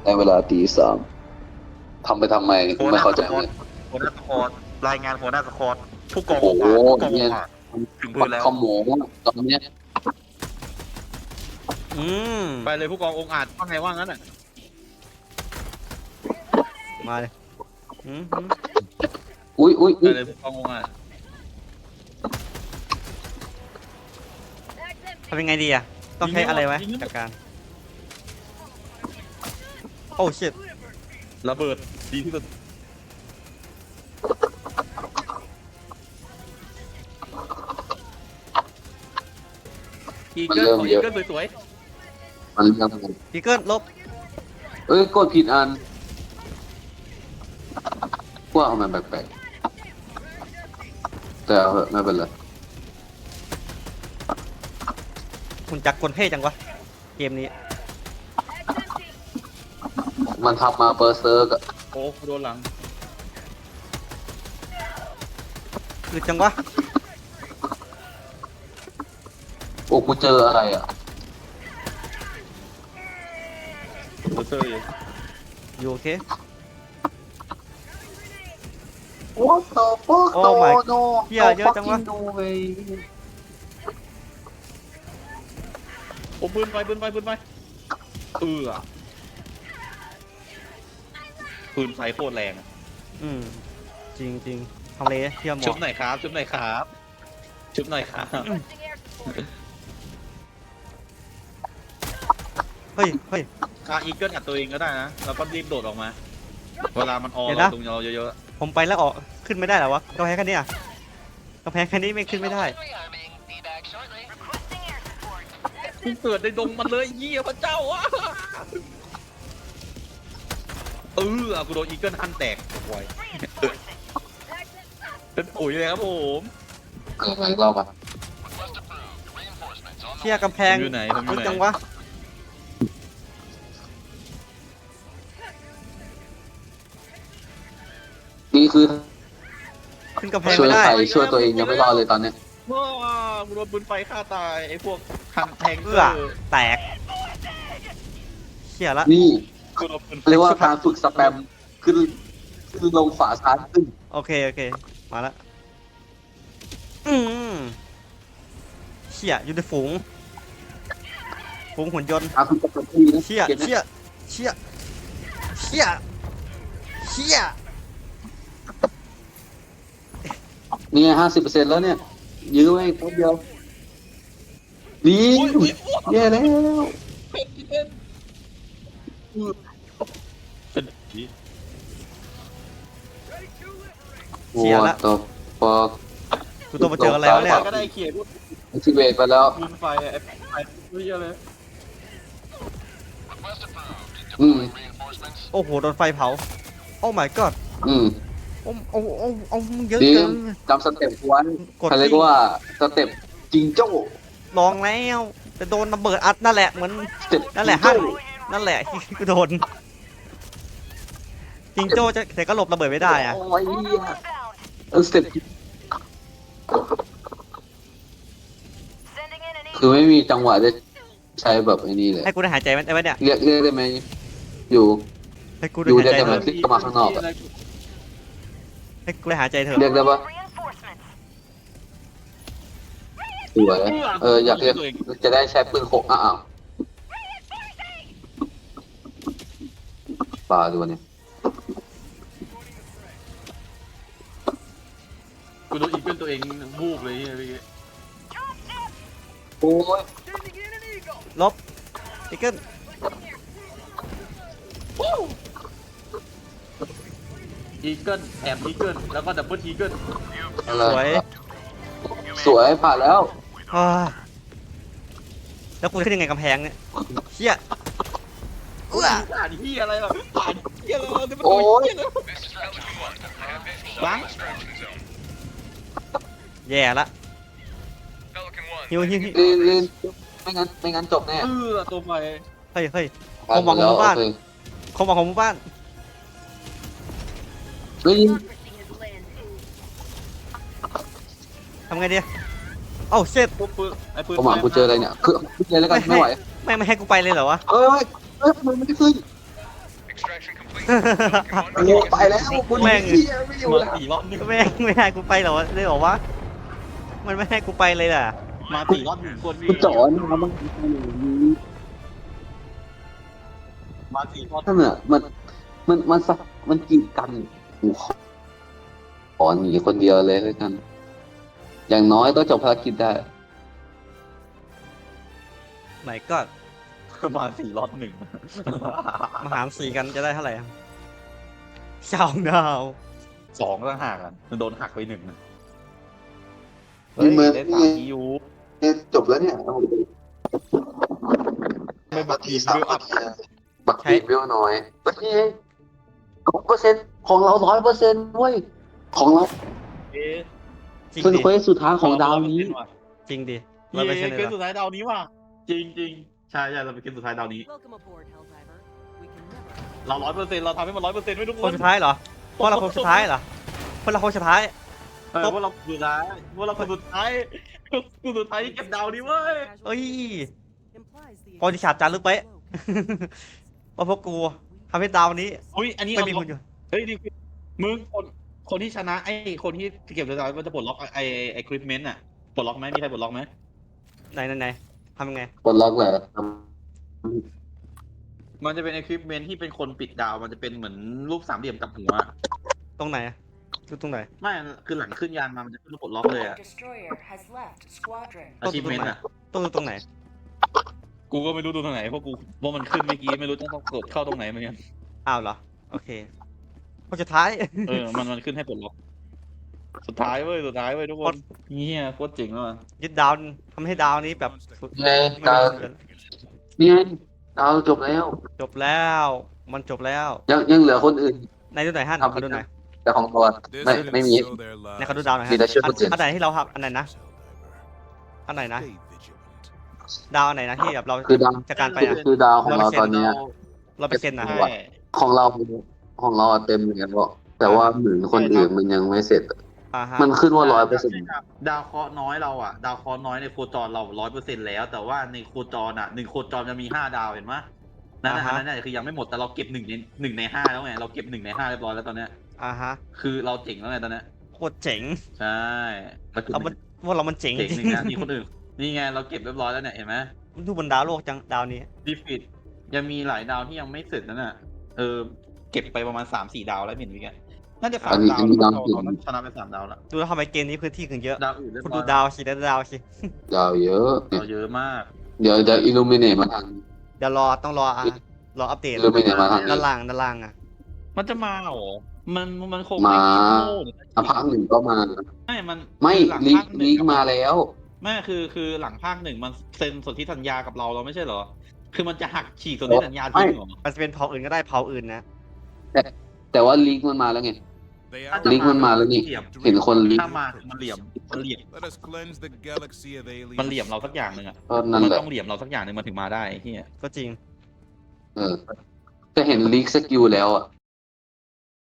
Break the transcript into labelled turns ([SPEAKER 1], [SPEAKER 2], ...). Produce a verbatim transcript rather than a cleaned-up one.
[SPEAKER 1] ในเวลาตีสามทำไปทำไมไม่เข้าใจเลย
[SPEAKER 2] หัวหน้าสควอตรายงานหัวหน้าสควอตผู้กอง
[SPEAKER 1] โอ้โห
[SPEAKER 2] ผู้กอง
[SPEAKER 1] เนี่ย
[SPEAKER 2] ถึงปื
[SPEAKER 1] ปั
[SPEAKER 2] น
[SPEAKER 1] ก
[SPEAKER 2] แล้ว
[SPEAKER 1] ขโมงตอนเนี้ย
[SPEAKER 3] อืม
[SPEAKER 2] ไปเลยผู้กององค์อาจว่าไงว่างั้นอ่ะ
[SPEAKER 3] มาเลยอืมอืม
[SPEAKER 1] อุ้ยอุ้ย
[SPEAKER 2] ไป
[SPEAKER 1] อุ้ย
[SPEAKER 2] เลยผู้กององค์อาจ
[SPEAKER 3] ทำยังไงดีอะต้องใช้อะไรไว้จากการโอ้ชิต
[SPEAKER 2] ระเบิดดีที่สุดอีเกิลของอีเกิลสวย
[SPEAKER 1] มันเรื่อง
[SPEAKER 3] พีเกิลลบ
[SPEAKER 1] เอ้ยกดผิดอันว่าเอามันแปลกๆแต่เอาเถอะไม่เป็นไร
[SPEAKER 3] หุ่นจักรกลเท่จังวะเกมนี้
[SPEAKER 1] มันทำมาเปอร์เซอร์กอะ
[SPEAKER 2] ๆโอ้โดนหลัง
[SPEAKER 3] คือจังวะ
[SPEAKER 1] โอ้กูเจออะไรอ่ะ
[SPEAKER 2] โดนเซอร์อยู่
[SPEAKER 3] อยู่โอเค
[SPEAKER 1] What the fuck
[SPEAKER 3] Oh my
[SPEAKER 1] no no
[SPEAKER 3] เหี้ยเยอะจังวะ
[SPEAKER 1] no way
[SPEAKER 2] โอ้ปืนไปปืนไปปืนไปเออปืนไฟโคตรแรงอะ
[SPEAKER 3] อืมจริงจริงทำเลเที่ยวหม
[SPEAKER 2] ชุ
[SPEAKER 3] อบ
[SPEAKER 2] หน่อยครับชุบหน่อยครับชุบหน่อยครับ
[SPEAKER 3] เฮ้ยเฮ้ย
[SPEAKER 2] คาอีเกิลอัดตัวเองก็ได้นะแล้วก็รีบโดดออกมา เวลามันออ
[SPEAKER 3] เดี๋ยว
[SPEAKER 2] เรา
[SPEAKER 3] นะ
[SPEAKER 2] ตรงเราเยอะ
[SPEAKER 3] ผมไปแล้วออกขึ้นไม่ได้เหรอวะกำแพงแค่นี้อะกำแพงแค่นี้ไม่ขึ้นไม่ได้
[SPEAKER 2] ๆกูเกิดในดงมันเลยเยี่ยพระเจ้าอ่ะเออกูโดนอีเกิลฮันแตกโวยเป็นปุ๋ยเลยครับผม
[SPEAKER 1] เกิดอะไรรอบอ่ะ
[SPEAKER 3] เที่ยกำแพง
[SPEAKER 2] ผมอยู่ไหนผมอยู่
[SPEAKER 3] ลึก
[SPEAKER 2] ไหน
[SPEAKER 3] จังวะ
[SPEAKER 1] นี่คือ
[SPEAKER 3] ขึ้นกำแพง
[SPEAKER 1] ช่วย
[SPEAKER 3] ไม่ได้
[SPEAKER 1] ใครช่วยตัวเองยังไม่รอดเลยตอนเนี้ย
[SPEAKER 2] ว้ากูโดนปืนไฟฆ่าตายไอ้พวกฮันแทงเก
[SPEAKER 3] เอื้
[SPEAKER 2] อ
[SPEAKER 3] อ
[SPEAKER 2] ร์
[SPEAKER 3] แตกเที่ยละ
[SPEAKER 1] นี่
[SPEAKER 2] กูโดนปืนไฟ
[SPEAKER 1] เรียกว่าการฝึกสแปมขึ้นขึ้นลงฝาซ้ายขึ้น
[SPEAKER 3] โอเคโอเคมาละอืมเชี่ยอยู่ในฝูงฝูงหุ่นยนต์
[SPEAKER 1] อาคุณจะเป็นที่นะ
[SPEAKER 3] เชี่ย
[SPEAKER 1] เกมนี้
[SPEAKER 3] เชี่ยเชี่ยเชี่ยเชี่ย
[SPEAKER 1] นี่ไงห้าสิบเปอร์เซ็นต์แล้วเนี่ย ยื้อไว้แป๊บเดียวนี่
[SPEAKER 2] อุ๊ยอุ๊ยอุ๊ย
[SPEAKER 1] แย่แล้ว
[SPEAKER 2] เป็นเป็นเป็นผี
[SPEAKER 1] โอ้ตบปอก
[SPEAKER 3] กูต้องมาเจออะไรวะเนี่ย
[SPEAKER 2] ก็ได้เขียนว่า
[SPEAKER 1] ทิเวตไปแล้ว
[SPEAKER 2] ปืนไฟไอ้ไฟไม่เยอะเลย
[SPEAKER 1] อืม
[SPEAKER 3] โอ้โหโดนไฟเผาโอ้ my god
[SPEAKER 1] อืม
[SPEAKER 3] โอ้โอ้โอ้โอ้เยอะ
[SPEAKER 1] ดี
[SPEAKER 3] เกิน
[SPEAKER 1] จำสเต็ปไวัน
[SPEAKER 3] กด
[SPEAKER 1] เขาเรียกว่าสเต็ปจิงโจ้
[SPEAKER 3] ลองแล้วแต่โดนระเบิดอัดนั่นแหละเหมือน
[SPEAKER 1] สเต็ป
[SPEAKER 3] นั่นแหละ
[SPEAKER 1] จิ
[SPEAKER 3] ฮั่
[SPEAKER 1] ง
[SPEAKER 3] น
[SPEAKER 1] โจ้
[SPEAKER 3] นั่นแหละที่กูโดนจิงโจ้จะแต่ก็หลบระเบิดไม่ได้อะ
[SPEAKER 1] โอ้ยเหี้ยเออสเต็ปคือไม่มีจังหวะจะใช้แบบไอ้นี่เลย
[SPEAKER 3] ให้กูได้หายใจไหมไอ้วะเนี่ย
[SPEAKER 1] เรียกเรียกได้ไหมอยู่
[SPEAKER 3] ให้กู
[SPEAKER 1] อ
[SPEAKER 3] ได้
[SPEAKER 1] ยู่
[SPEAKER 3] หาย
[SPEAKER 1] ได้
[SPEAKER 3] ใจ
[SPEAKER 1] แต่
[SPEAKER 3] เถ
[SPEAKER 1] มัน
[SPEAKER 3] อะ
[SPEAKER 1] คลิกเข้ามาข้างนอกอะ
[SPEAKER 3] ให้กูได้หายใจเถอะ
[SPEAKER 1] เรียกได้ปะสวยเอออยากเรียกจะได้ใช้ปืนโคกอ้าวปลาดูเนี่ย
[SPEAKER 2] กูโดนอีเกิลตัวเองบูบเลยเมื่อกี้
[SPEAKER 1] โอ้ย
[SPEAKER 3] ลบอีกเกิล
[SPEAKER 2] อีเกิลแอบอีเกิลแล้วก็ดับเบิลอีเกิล
[SPEAKER 1] อะไร
[SPEAKER 3] สวย
[SPEAKER 1] สวยผ่านแล้ว
[SPEAKER 3] อ่าแล้วกูจะขึ้นยังไงกำแพงเนี่ยเชี่ยเอื้อ
[SPEAKER 2] ผ่านที่อะไรหรอผ่านที่อะไรหรอที่มัน
[SPEAKER 1] โอ้
[SPEAKER 2] โดน
[SPEAKER 1] ย
[SPEAKER 2] เหี้ยเลยบัง
[SPEAKER 3] แย่ละฮิวฮิวฮิว
[SPEAKER 1] เรียนเรียนไม่งั้นไม่งั้นจบแน่
[SPEAKER 2] เออตัวไฟ
[SPEAKER 3] เฮ้ยเฮ้ย
[SPEAKER 1] ผ่านหมดแล้ว
[SPEAKER 3] ผมหวังของหมู่บ้าน
[SPEAKER 1] โอเค
[SPEAKER 3] ความหวังของหมู่บ้าน
[SPEAKER 1] เฮ้ย
[SPEAKER 3] ทำไงดีเอ้าเช็ด
[SPEAKER 2] ปุ๊บปืนไอ้ปืน
[SPEAKER 1] ผมหวังกูเจออะไรเนี่ยคือขึ้นเลยแล้วกันไม่ไหว
[SPEAKER 3] ไม่ไม่ให้กูไปเลยเหรอวะ
[SPEAKER 1] เอ้ยเอ้ยทำไมไม่ได้ขึ้นโอ้โหไปแล้วคุณ
[SPEAKER 3] แม่ง
[SPEAKER 1] เหี้ยไม่อยู่
[SPEAKER 2] มา
[SPEAKER 1] แล้ว
[SPEAKER 2] สี่รอบหนึ่ง
[SPEAKER 3] แม่งไม่ให้กูไปเหรอเลยเหรอวะมันไม่ให้กูไปเลยล่ะ
[SPEAKER 2] มาสี่รอบหนึ่งคนพี่
[SPEAKER 1] กูจอนมาบ้าง
[SPEAKER 2] มาสี่รอบ
[SPEAKER 1] ถ้าเนี่ยมันมันมันสักมันกีดกันกูขอขอหนีคนเดียวเลยแล้วกัน อย่างน้อยก็จบภารกิจได้
[SPEAKER 3] ไหนก็
[SPEAKER 2] มาสี่รอบหนึ่ง
[SPEAKER 3] มาหารสี่กันจะได้เท่าไหร่อะสองดาว
[SPEAKER 2] สองต่างหากอ่ะมันโดนหักไปหนึ่งนะ
[SPEAKER 1] นี่
[SPEAKER 2] เฮ้ย
[SPEAKER 1] มัน
[SPEAKER 2] ได้สามคิว
[SPEAKER 1] เนี่ยจบแล้วเนี่ย
[SPEAKER 2] ไม่บักทีมเวลอัพ
[SPEAKER 1] บักทีมเวลน้อยบักทีมร้อยเปอร์เซ็นต์ของเราร้อยเปอร์เซ็นต์เว้ยของเรา
[SPEAKER 2] เอ๊ะ
[SPEAKER 3] จริง
[SPEAKER 1] เป็น
[SPEAKER 3] ดิ
[SPEAKER 1] เควสสุดท้ายของดาวนี้
[SPEAKER 3] จริงดิ
[SPEAKER 2] เย้
[SPEAKER 3] เราไปเฉล
[SPEAKER 2] เก
[SPEAKER 3] ย
[SPEAKER 2] มสุดท้ายดาวนี้ว่ะจริงจริงๆใช่ใช่เราเป็นเกมสุดท้ายดาวนี้
[SPEAKER 4] Welcome aboard, Helldiver. We can never.
[SPEAKER 2] เราร้อยเปอร์เซ็นต์เราทำให้มันร้อยเปอร์เซ็นต์ไว้ทุก
[SPEAKER 3] ค
[SPEAKER 2] คน น
[SPEAKER 3] สุดท้ายเหรอพวกเราคนสุดท้ายเหรอพวกเราคนสุดท้าย
[SPEAKER 2] เออว่าเราสุดท้ายว่าเราคนสุดท้ายคนสุดท้ายที่เก็บดาวนี้เว้ย
[SPEAKER 3] เอ้ย
[SPEAKER 4] Implies the
[SPEAKER 3] ประวัติศาสตร์จารึกไป ว่าพวกกูทำให้ดาวนี้
[SPEAKER 2] อุ้ยอันนี้
[SPEAKER 3] ไม่
[SPEAKER 2] เอา
[SPEAKER 3] มีคนอยู่
[SPEAKER 2] เฮ้ยนี่มึงคนคนที่ชนะไอ้คนที่เก็บดาวมันจะปลดล็อกไอ้ไอ้คริปเมนต์อ่ะปลดล็อกไหมมีใครปลดล็อกไหม
[SPEAKER 3] ไหนไหนไหนทำยังไง
[SPEAKER 1] ปลดล็อกแหละ
[SPEAKER 2] มันจะเป็นไอ้คริปเมนต์ที่เป็นคนปิดดาวมันจะเป็นเหมือนรูปสามเหลี่ยมกับหัว
[SPEAKER 3] ตรงไหนอะอยู่ตรงไหน
[SPEAKER 2] ไม่คือหลังขึ้นยานมามันจะขึ้นรูปปลดล็อกเลยอะ
[SPEAKER 4] destroyer has left squadron.
[SPEAKER 2] อาชีพเมนต์อะ
[SPEAKER 3] ต้องดูตรงไหน
[SPEAKER 2] กูก็ไม่รู้ดูตรงไหนเพราะกูว่ามันขึ้นเมื่อกี้ไม่รู้ต้องต้องกดเข้าตรงไหนเหมือนกัน
[SPEAKER 3] อ้าวเหรอ โอเคคนสุดท้าย
[SPEAKER 2] เออมันมันขึ้นให้ปลดล็อกสุดท้ายเว้ยสุดท้ายเว้ยทุกคนเฮียโคตรเจ๋งเลยว่ะ
[SPEAKER 3] ยึดดาวทำให้ดาวนี้แบบสุด
[SPEAKER 1] ไงดาวนี่ไงดาวจบแล้ว
[SPEAKER 3] จบแล้ว มันจบแล้ว
[SPEAKER 1] ยังยังเหลือคนอื่น
[SPEAKER 3] ในดูไหนอยฮั่น
[SPEAKER 1] ครับ
[SPEAKER 3] ขอดูหน่อย
[SPEAKER 1] แต่ของตัวไม่ไม่มี
[SPEAKER 3] ในขอดูดาวหน่อย
[SPEAKER 1] มี
[SPEAKER 3] ฮะ
[SPEAKER 1] แต่ชื่อคนอื่น
[SPEAKER 3] อันไหนที่เราครับอันไหนนะอันไหนนะ ดาวอันไหนนะที่แบบเรา
[SPEAKER 1] คือดาว
[SPEAKER 3] จะการไปอะ
[SPEAKER 1] คือดาวของเราตอนเนี้ย
[SPEAKER 3] เราไปเซ็นนะ
[SPEAKER 2] ใช่
[SPEAKER 1] ของเราของเราอะเต็มเหมือนกันเพราะแต่ว่าเหมือนคนอื่นมันยังไม่เสร็จ
[SPEAKER 3] อ่าฮะ
[SPEAKER 1] มันขึ้นว่าร้อยเปอร์เซ็นต์
[SPEAKER 2] ดาวเคราะห์น้อยเราอ่ะดาวเคราะห์น้อยในโคจรเราร้อยเปอร์เซ็นต์แล้ว แต่ว่าในโคจรอ่ะหนึ่งโคจรจะมีห้าดาวเห็นไหมนั่นน่ะ
[SPEAKER 3] อ่าฮะ
[SPEAKER 2] อันนั้นน่ะคือยังไม่หมดแต่เราเก็บหนึ่งในหนึ่งในห้าแล้วไงเราเก็บหนึ่งในห้าเรียบร้อยแล้วตอนเนี้ย
[SPEAKER 3] อ่าฮะ
[SPEAKER 2] คือเราเจ๋งแล้วไงตอนเนี้ย
[SPEAKER 3] โคตรเจ๋ง
[SPEAKER 2] ใช่เราเก็บ
[SPEAKER 3] เรามันพวกเรามันเจ๋ง
[SPEAKER 2] เจ๋ง
[SPEAKER 3] จ
[SPEAKER 2] ห
[SPEAKER 3] ริ
[SPEAKER 2] นึ่
[SPEAKER 3] ง
[SPEAKER 2] งนะมีคนอื่นนี่ไงเราเก็บเรียบร้อยแล้วเนี่ยเห็นไหม
[SPEAKER 3] ดูบนดาวโลกจังดาวนี้
[SPEAKER 2] ดีฟิตยังมีหลายดาวที่ยังไม่เสร็จนั่นน่ะเออเก็บไปประมาณสามสี่ดาวแล้วเห็นไหมแกน่าจะสามดาวแล้วเราเราชนะไปสามดาวแล้ว
[SPEAKER 3] ดูแล้วทำไมเกมนี้พื้นที่ถึงเยอะ
[SPEAKER 2] ดาวอื่นเรียบ
[SPEAKER 3] คุณ
[SPEAKER 2] ร้
[SPEAKER 3] ดู
[SPEAKER 2] อย
[SPEAKER 3] ดาวสิดาวสิ
[SPEAKER 1] ดาวเยอะ
[SPEAKER 2] ดาวเยอะมาก
[SPEAKER 1] เดี๋ยวเดี๋ยวอิลูมิเนตมาทาง
[SPEAKER 3] เดี๋ยวรอต้องรออ่ะรออัปเดต
[SPEAKER 1] อิลูมิเนตมาทาง
[SPEAKER 3] ด้านล่างด้านล่างอ่ะ
[SPEAKER 2] มันจะมาเหรอ มันมันคง
[SPEAKER 1] มา
[SPEAKER 2] ไคิดโง่หรือ
[SPEAKER 1] อ่ะภาคหนึ่งก็มา
[SPEAKER 2] ไม่มัน
[SPEAKER 1] ไม่
[SPEAKER 2] คือหลัง
[SPEAKER 1] ลีก
[SPEAKER 2] ภาคหนึ่
[SPEAKER 1] ลี
[SPEAKER 2] ง
[SPEAKER 1] กมาแล้ว
[SPEAKER 2] ไม่คือคือหลังภาคหนึ่งมันเซ็นสนธิสัญญากับเราเราไม่ใช่เหรอ คือมันจะหักฉีกสนธิสัญญาทิ้งเหรอ
[SPEAKER 3] มันจะเป็นเผ่าอื่นก็ได้เผ่าอื่นนะ
[SPEAKER 1] แต่ว่าลีกมันมาแล้วไง
[SPEAKER 2] ถ้าจะ
[SPEAKER 1] ลิงก์มันมาแล้วนี่
[SPEAKER 2] เหลี่ยม
[SPEAKER 1] เห็นคนลีก
[SPEAKER 2] ถ้ามาคือมันเหลี่ยมมันเหลี่ยม
[SPEAKER 5] Let us cleanse the galaxy of aliens.
[SPEAKER 2] มันเหลี่ยมเราสักอย่างหนึ่งอ่ะ
[SPEAKER 1] ก็นั่น
[SPEAKER 2] มัน
[SPEAKER 1] แหละ
[SPEAKER 2] ต้องเหลี่ยมเราสักอย่างหนึ่งมันถึงมาได้ไอ้เฮีย
[SPEAKER 3] ก็จริง
[SPEAKER 1] เออแต่เห็นลีกสกิลแล้วอ่ะ